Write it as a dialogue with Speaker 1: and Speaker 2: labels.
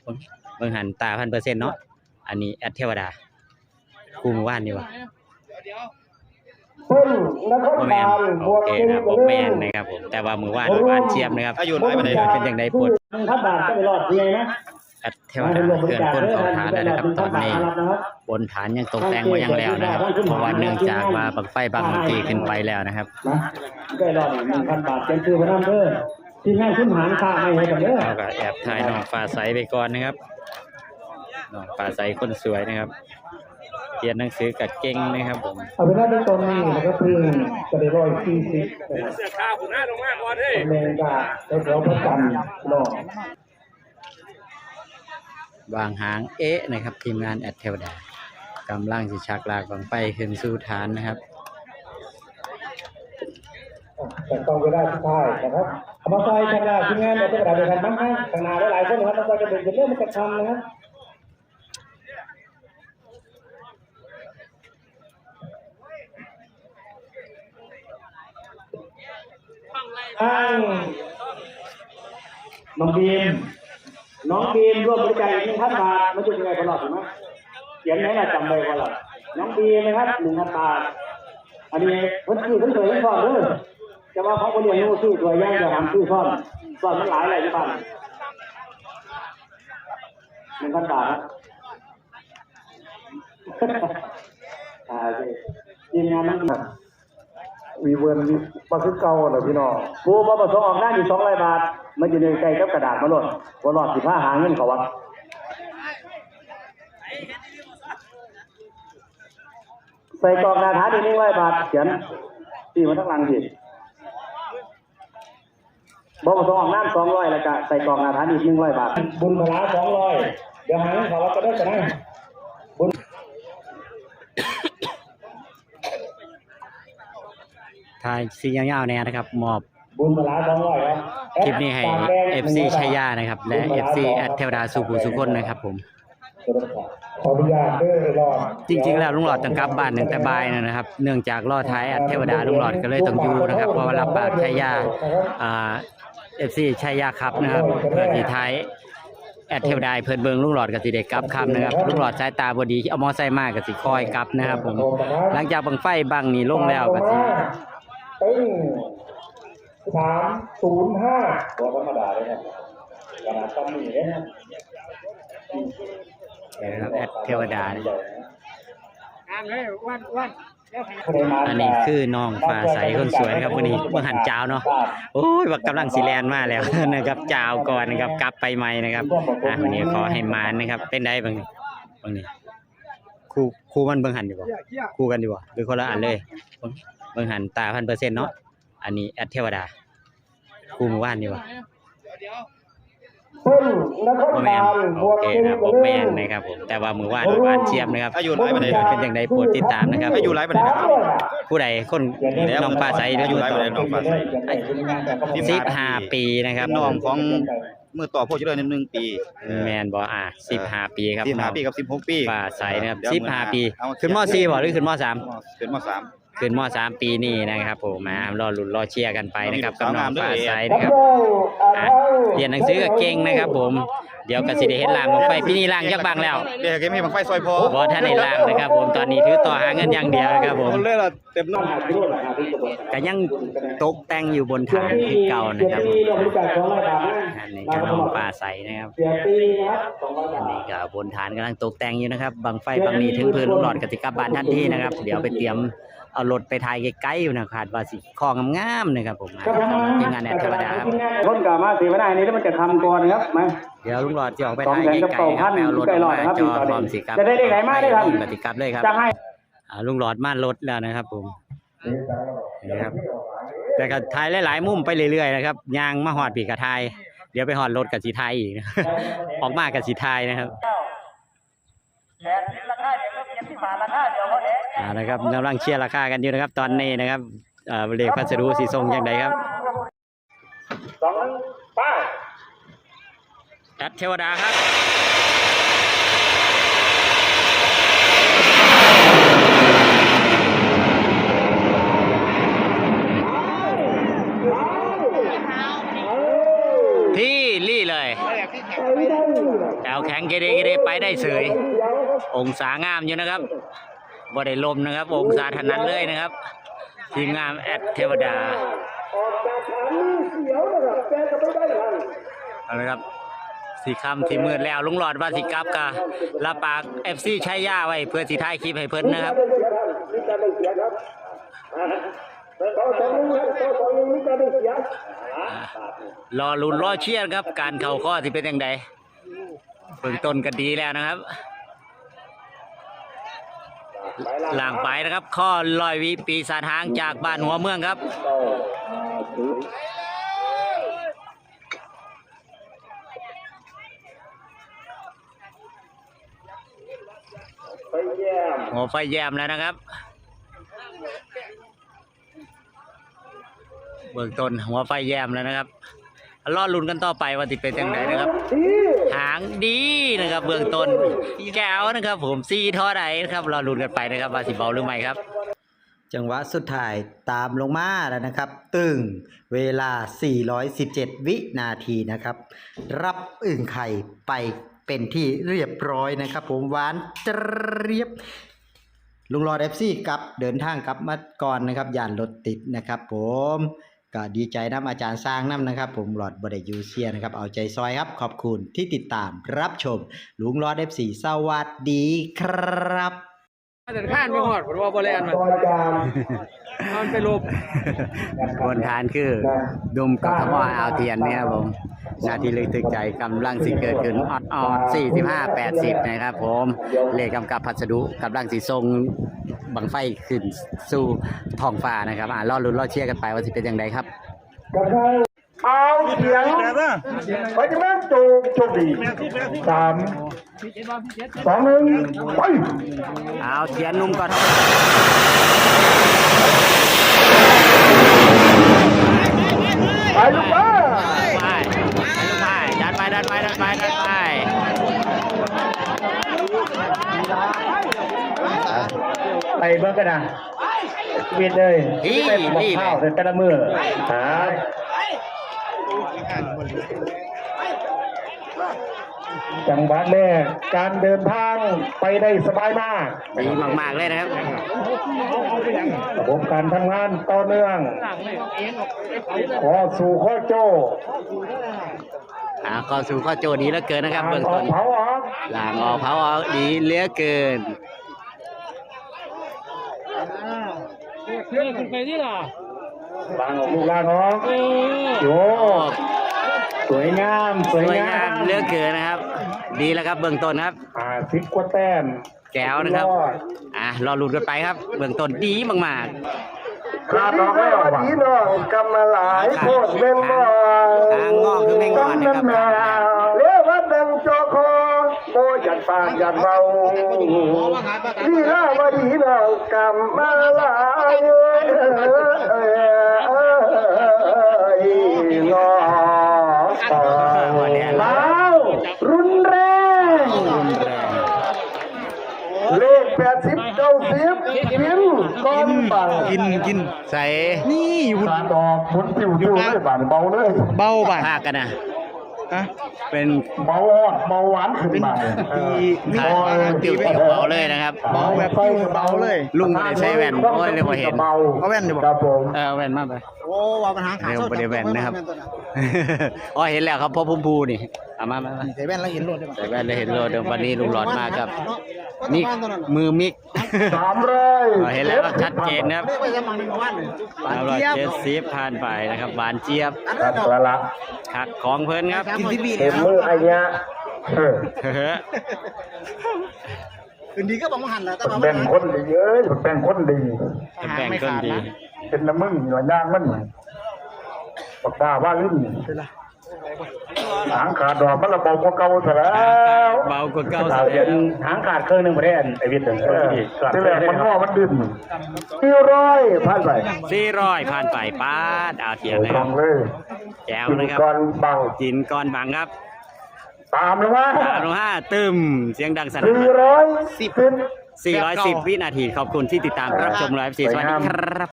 Speaker 1: เบิ่งหันตา1,000%เนาะอันนี้แอดเทวดาคู่มือว่านนี่วะบ่แม่นโอเคครับบ่แม่นนะครับผมแต่ว่ามือว่านหวานเชียบนะครับอายุน้อยปานใดเป็นจังได๋ปวด
Speaker 2: 1,000 บาทก็ไปรอดยังไงนะ
Speaker 1: แอดเทวดาเคลื่อนคนเข้าฐานแล้วนะครับตอนนี้บนฐานยังตกแต่งไว้ยังแล้วนะครับเพราะว่าเนื่องจากว่าบังไฟบางเมื่อกี้ขึ้นไปแล้วนะครับ
Speaker 2: ก็รอด 1,000 บาทเป็นชื่อพระนามเด้อที่งานคุณหารค่าให้ให้กันเด้อ
Speaker 1: เราก็แอบถ่ายน้องฟ้าใสไปก่อนนะครับน้องฟ้าใสคนสวยนะครับเรียนหนังสือกับเก่งนะครับผม
Speaker 2: เอาไปได้ในตอนนี้นะครับเพิ่งจะได้140
Speaker 3: เสื้อขาวผมหน้าลงมากก่อนเฮ้ย
Speaker 2: แรงกาแถวประจันรอ
Speaker 1: วางหางนะครับทีมงานแอดเทวดากำลังสิชักลากบังไฟขึ้นสู่ฐานนะครับ
Speaker 2: แต่ต้องไปได้สุดท้ายนะครับเอามาใส่ข้างหน้าทีมงานแอดเทวดาด้วยกันมั้งนะข้างหน้าหลายคนนะครับเราจะเป็นเรื่องมันกระชันนะครับน้องบีมร่วมบริจาค1,000 บาทมาช่วยยังไงตลอดถูกไหมเขียนไหนล่ะจำได้ก่อนล่ะน้องบีมนะครับ1,000 บาทอันนี้เพิ่นซื้อเพิ่นเคยเล่นซ่อนเด้อจะว่าเขาบ่เรียนรู้ซื้อตัวย่างจะทำซื้อซ่อนมันหลายอะไรที่บ้าน1,000 บาททีมงานน้องบีมวีเวิร์นมาคือเก่าเหรอพี่น้องผู้บ่ประสงค์ออกหน้าอยู่200 บาทมันอยู่ในใจกับกระดาษมาโลดบ่รอดสิพาหาเงินเขาวัดใส่กล่องนาถาอีก100 บาทเขียนที่มันทั้งหลังสิบ่ประสงค์ออกหน้า200แล้วก็ใส่กล่องนาถาอีก100 บาทบุญพลา200เดี๋ยวหาเงินเขาวัดก็ได้ก็ได้บุญ
Speaker 1: ถ่ายซียาวๆแน่นะครับมอบ
Speaker 2: บุญพลา200ครับ
Speaker 1: คลิปนี้ให้ FC ชัยยานะครับและ FC แอดเทวดาสุขุสุคนนะครับผม
Speaker 2: ขออนุญาตเด้อรอด
Speaker 1: จริงๆแล้วลุงหลอดต้องกลับบ้าน1แต่บ่ายนะครับเนื่องจากรอท้ายแอดเทวดาลุงหลอดก็เลยต้องอยู่นะครับเพราะว่ารับปากชัยยาFC ชัยยาครับนะครับเพื่อที่ท้ายแอดเทวดาเพิ่นเบิ่งลุงหลอดกับสิได้กลับคำนะครับลุงหลอดสายตาบ่ดีเอามอไซค์มาก็สิคอยกลับนะครับผมหลังจากบังไฟบังนี่ลงแล้วก็สิ
Speaker 2: 305ตัวธรรมดาเลยครับขนาดตั้งนี่เลย
Speaker 1: นะครับแอดเทวดาอันนี้คือน้องฟ้าใสคนสวยนะครับวันนี้เมื่อหันเจ้าเนาะโอ้ยว่ากำลังสีแลนมาแล้วนะครับเจ้าก่อนนะครับกลับไปใหม่นะครับวันนี้ขอให้มานนะครับเป็นได้บางนี้คู่มันเบิ่งหันดีกว่าคู่กันดีกว่าหรือคนละอันเลยเบิ่งหันตา1,000%เนาะอันนี้แอดเทวดาคู่มือว่านดีกว่าบ่แม่นโอเคครับบ่แม่นนะครับผมแต่ว่ามือว่านหวานเชียบนะครับอายุน้อยปานใดเป็นจังได๋โปรดติดตามนะครับอายุหลายปานใดครับผู้ใดคนน้องฟ้าใสอายุหลายปานใดน้องฟ้าใส15 ปีนะครับ
Speaker 3: น้องของมือต่อพวกเจริญ1 ปี
Speaker 1: แม่นบ่15 ปีครับ
Speaker 3: 15 ปีกับ16 ปี
Speaker 1: ฟ้าใสนะครับ15 ปีขึ้นม.4 บ่หรือขึ้นม.3
Speaker 3: ขึ้นม.3
Speaker 1: ขึ้นม.3 ปีนี้นะครับผมมารอลุ้นรอเชียร์กันไปนะครับกับน้องฟ้าใสนะครับเรียนหนังสือก็เก่งนะครับผมเดี๋ยวก็สิได้เห็นล่างบังไฟปีนี้ล่างยักบังแล้ว
Speaker 3: เดี๋ยวเกมให้บังไฟซอยพอ
Speaker 1: บ่ทันได้ล่างนะครับผมตอนนี้ถือต่อหาเงินอย่างเดียวนะครับผม
Speaker 3: เลยล่ะเต็มน้
Speaker 1: ก็ยังตกแต่งอยู่บนฐานที่เก่านะครับอันนี้ก็น้องฟ้าใสนะครับอันนี้ก็บนฐานกำลังตกแต่งอยู่นะครับบังไฟบังนี้ถึงพื้นลูกหลอดกสิกลับบ้านทันทีนะครับเดี๋ยวไปเตรียมเอารถไปถ่ายใกล้ๆอยู่นะคาดว่าสิคองงามๆนะครับผมทีมงานแอดเทวดาครับ
Speaker 2: คนกลับมาสิไม่ได้นี่มันจะทำก่อนครับมา
Speaker 1: เดี๋ยวลุงหลอดจะออกไปถ่ายใกล้ๆครับเอารถมาจอดพร้อมสิครับ
Speaker 2: จะได้ไหนมาได้ครับ
Speaker 1: ปฏิกรรมเลยครับลุงหลอดมารถแล้วนะครับผมนี่ครับแต่ก็ถ่ายหลายๆมุมไปเรื่อยๆนะครับยางมาหอดปีกระทายเดี๋ยวไปหอดรถกับสีไทยอีกออกมากับสีไทยนะครับนะครับกำลังเชียร์ราคากันอยู่นะครับตอนนี้นะครับเลขพัสดุสีทรงอย่างไรครับ
Speaker 2: 2ป้า
Speaker 1: แอดเทวดาครับที่ลี่เลยแถวแข็งเกเรไปได้เสยองศางามอยู่นะครับบ่ได้ลมนะครับองศาถนัดเลยนะครับทีมงานแอดเทวดาเอาละครับสีคำที่มืดแล้วลุงหลอดว่าสิกลับกะลาปาก FC ใช้ย่าไว้เพื่อสิถ่ายคลิปให้เพิ่นนะครับรอลุ้นรอเชียร์ครับการเข่าข้อที่เป็นยังไงเบื้องต้นก็ดีแล้วนะครับหลังไปนะครับข้อ100 วิปีศาจหางจากบ้านหัวเมืองครับหัวไฟแยมแล้วนะครับเบื้องต้นหัวไฟแยมแล้วนะครับรอลุ้นกันต่อไปว่าจะเป็นยังไงนะครับหางดีนะครับเบื้องต้นแก้วนะครับผมซีท่อใดนะครับรอลุ้นกันไปนะครับว่าสิเบาหรือไม่ครับจังหวะสุดท้ายตามลงมาแล้วนะครับตึงเวลา417วินาทีนะครับรับอึ่งไข่ไปเป็นที่เรียบร้อยนะครับผมหวานเจี๊ยบลุงหลอด FC กับเดินทางกลับมาก่อนนะครับย่านรถติดนะครับผมก็ดีใจน้ำอาจารย์สร้างน้ำนะครับผมหลอดบไดยูเซียนะครับเอาใจซอยครับขอบคุณที่ติดตามรับชมลุงหลอด FC สวัสดีครับ
Speaker 4: เดินข้านไปหอดผมว่าบริเวณมันไปลบบ
Speaker 1: นฐานคือดุมกทมอ่าวเทียนเนี่ยครับผมนาทีลึกตึกใจกำลังสิเกิดขึ้นออด45-80นะครับผมเลขกำกับพัสดุกำลังสิทรงบังไฟขึ้นสู่ท้องฟ้านะครับรอลุ้นรอเชียร์กันไปว่าจะเป็นอย่างไรครับ
Speaker 2: เอาเสียงไปจะแม่โชคดี3 2 1ไป
Speaker 1: เอาเทียนนุ่มก่อน
Speaker 2: ไปลูกบ้า
Speaker 1: ดันไป
Speaker 2: ไปเบิ่งกันนะเวียนเลยไปบอกข้าวแต่ละมื้อจังหวัดแรกการเดินทางไปได้สบายมาก
Speaker 1: ดีมากๆเลยนะครับ
Speaker 2: ระบบการทำงานต่อเนื่องขอสู่ข้อโจ้
Speaker 1: ข้อสู่ข้อโจดีเหลือเกินนะครับเบื้องต้นหลังออกเผาออกดีเหลือเกิน
Speaker 4: คุณไปที่หรอ
Speaker 2: ลางออกลูกลางออกโยสวยงาม
Speaker 1: เหลือเกินนะครับดีแล้วครับเบื้องต้นครับ
Speaker 2: 10 กว่าแต้ม
Speaker 1: แก้วนะครับรอลุ้นกันไปครับเบื้องต้นดีมาก
Speaker 2: ๆขาดออกแล้วดีน้องกำมาหลายโคตรเป็นบ่
Speaker 1: ทางงอกคือไม่งอนนะครับ
Speaker 2: เลี้ยววัดดังโจโคโอ้ยันปากยันเบาดีล่าวดีน้องกำมาหลายงอแล้วรุนแรงเลข80 90กินก้อนบัง
Speaker 1: กินใส่
Speaker 2: นี่หุ่นดอกหุ่นติวเลยบานเบาเลย
Speaker 1: เบาบานภาคกันนะเป็น
Speaker 2: เบาหวานขึ้นมา
Speaker 1: ติวเบาเลยนะครับ
Speaker 2: เบาแบบเบาเลย
Speaker 1: ลุงไม่ได้ใช้แว่นโอ้ยเลยพอเห็น
Speaker 2: เอาแว่นดิครับผม
Speaker 1: แว่นมาไป
Speaker 4: โอ้ว่าปัญหาขา
Speaker 1: เร็วประเดี๋ยวแว่นนะครับอ๋อเห็นแล้วครับพอพุ่มพูนี่มา
Speaker 4: ใส่แว่นแล้วเห็นโลด
Speaker 1: ใส่แว่นแล้วเห็นโลดเดี๋ยววันนี้ลุงหลอดมากครับมิกมือมิก
Speaker 2: 300
Speaker 1: เห็นแล้วชัดเจนนะครับ370ผ่านไปนะครับหวานเจี๊ยบ
Speaker 2: ละ
Speaker 1: ขักของเพิ่นครับ
Speaker 2: เต็มมือไอ้เนี้ย
Speaker 4: คืนดีก็บอกว่าหันแล้ว
Speaker 2: แบ่งคนดีแบ่งคนดีเป็นน้ำมึงหน่อยย่างมันปากตาว่าลิ้นหางขาดดอกมันระเบากว่าเก่าซะแล้ว
Speaker 1: เบากว่าเก่า
Speaker 2: หางขาดเครื่องนึงบ่ได้ไอ้วิทย์ที่แรกมันงอมันดึง400ผ่านไป
Speaker 1: 400ผ่านไปป้าดเอาเทียนนะครับแก้วนะครับกินก้อนบังครับ
Speaker 2: ตามลง
Speaker 1: มาตึมเสียงดังสนั่น410 วินาทีขอบคุณที่ติดตามรับชมไลฟ์สวัสดีครับ